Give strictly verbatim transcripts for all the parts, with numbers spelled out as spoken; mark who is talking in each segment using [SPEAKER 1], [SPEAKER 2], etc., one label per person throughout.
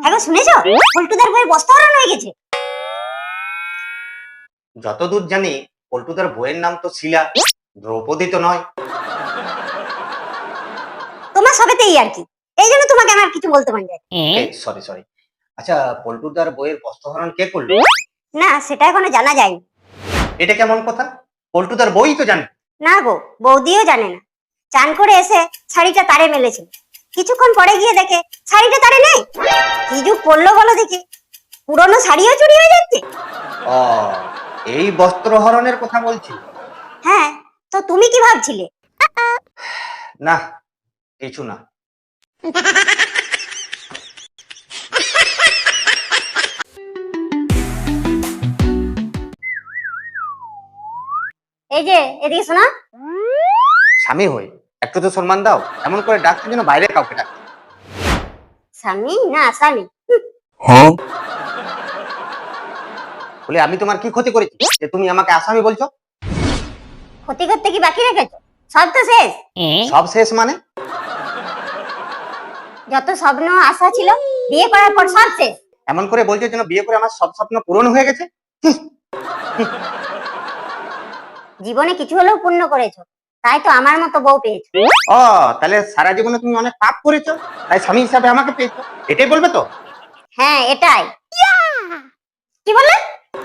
[SPEAKER 1] হ্যাঁ শুনেছো পল্টুদার বইয়ের বস্তা হারানো হয়ে গেছে।
[SPEAKER 2] যতদূর জানি পল্টুদার বইয়ের নাম তো শিলা, দ্রৌপদী তো নয়।
[SPEAKER 1] তোমার সবেতেই আর কি, এই জন্য তোমাকে আমার কিছু বলতে পারি না।
[SPEAKER 2] সরি সরি আচ্ছা, পল্টুদার বইয়ের বস্ত্রহরণ কে করলো?
[SPEAKER 1] না সেটা এখনো জানা যায়নি।
[SPEAKER 2] এটা কেমন কথা? পল্টুদার বই তো জানে
[SPEAKER 1] না গো, বৌদিও জানে না। চান করে এসে শাড়িটা তারে মেলেছিল, কিছুক্ষণ পরে গিয়ে দেখে শাড়িটা তারে নেই। কি যুগ পড়লো বলো দেখি, পুরনো শাড়িও চুরি হয়ে যাচ্ছে।
[SPEAKER 2] ও, এই বস্ত্রহরণের কথা বলছি।
[SPEAKER 1] হ্যাঁ, তো তুমি কি ভাবছিলে?
[SPEAKER 2] না কিছু না।
[SPEAKER 1] এই যে এদিকে শোনা।
[SPEAKER 2] স্বামী হই একটু তো সম্মান দাও, এমন করে ডাকতে যেন বাইরে কাউকে ডাক।
[SPEAKER 1] স্বামী না স্বামী।
[SPEAKER 2] বলে আমি তোমার কি ক্ষতি করেছি যে তুমি আমাকে আসামি বলছো?
[SPEAKER 1] ক্ষতি করতে কি বাকি রেখেছো? সব তো শেষ।
[SPEAKER 2] সব শেষ মানে?
[SPEAKER 1] যত স্বপ্ন আশা ছিল বিয়ে করার পর সব শেষ।
[SPEAKER 2] এমন করে বলছো যেন বিয়ে করে আমার সব স্বপ্ন পূরণ হয়ে গেছে।
[SPEAKER 1] জীবনে কিছু হলেও পূর্ণ করেছো, তাই তো আমার মতো বউ পেয়েছো।
[SPEAKER 2] ও, তাহলে সারা জীবনে তুমি অনেক পাপ করেছো, তাই স্বামী হিসাবে আমাকে পেয়েছো, এটাই বলবে তো?
[SPEAKER 1] হ্যাঁ এটাই। কি বললে?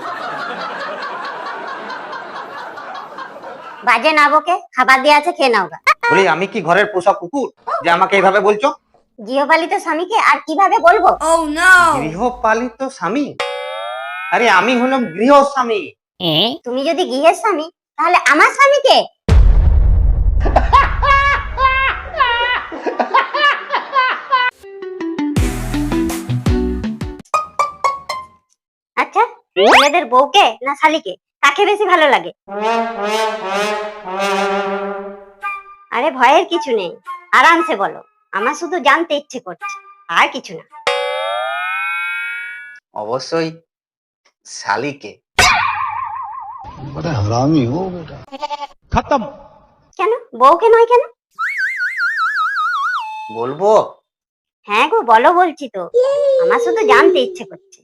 [SPEAKER 1] বাজে না বকে, খাবার দিয়ে আছে খেয়ে নাও গা।
[SPEAKER 2] বলি আমি কি ঘরের পোষা কুকুর যে আমাকে এইভাবে বলছো?
[SPEAKER 1] গৃহপালিত স্বামীকে আর কিভাবে বলবো?
[SPEAKER 2] গৃহপালিত স্বামী? আরে আমি হলাম গৃহ স্বামী।
[SPEAKER 1] তুমি যদি গৃহের স্বামী তাহলে আমার স্বামীকে। আচ্ছা, ছেলেদের বউকে না শালীকে কাকে বেশি ভালো লাগে? আরে ভয়ের কিছু নেই, আরামসে বলো, আমার শুধু জানতে ইচ্ছে করছে, আর কিছু না।
[SPEAKER 2] অবশ্যই শালীকে।
[SPEAKER 3] बड़ा हरामी हो बेटा। खत्म।
[SPEAKER 1] কেন বউকে নয় কেন?
[SPEAKER 2] বলবো?
[SPEAKER 1] হ্যাঁ গো বলো, বলছি তো, আমার শুধু জানতে ইচ্ছে করছে।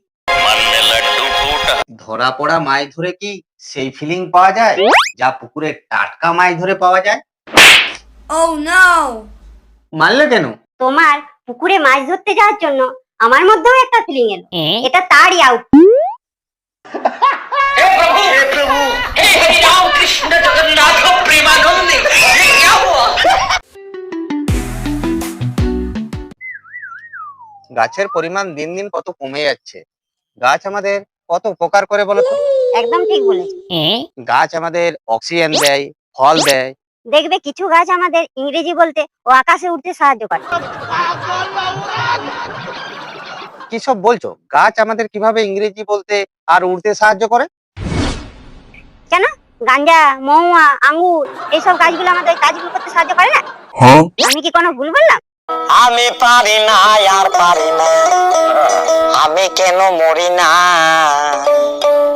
[SPEAKER 2] ধরা পড়া মাছ ধরে কি সেই ফিলিং পাওয়া যায় যা পুকুরে টাটকা মাছ ধরে পাওয়া যায়?
[SPEAKER 1] Oh no!
[SPEAKER 2] মারলে কেন?
[SPEAKER 1] তোমার পুকুরে মাছ ধরতে যাওয়ার জন্য আমার মধ্যেও একটা ফিলিং এলো, এটা তারই আউট।
[SPEAKER 2] গাছের পরিমাণ দিন দিন কত কমে যাচ্ছে। গাছ আমাদের কত উপকার করে বলো তো?
[SPEAKER 1] একদম ঠিক বলেছো।
[SPEAKER 2] গাছ আমাদের অক্সিজেন দেয়, ফল দেয়।
[SPEAKER 1] দেখবে কিছু গাছ আমাদের ইংরেজি বলতে ও আকাশে উঠতে সাহায্য করে।
[SPEAKER 2] কি সব বলছো? গাছ আমাদের কিভাবে ইংরেজি বলতে আর উড়তে সাহায্য করে?
[SPEAKER 1] কেন গাঞ্জা, মহুয়া, আঙ্গুর এইসব গাছগুলো আমাদের কাজগুলো করতে সাহায্য করে না? আমি কি কোনো ভুল বললাম?
[SPEAKER 4] আমি পারি না আর পারি না, আমি কেন মরি না।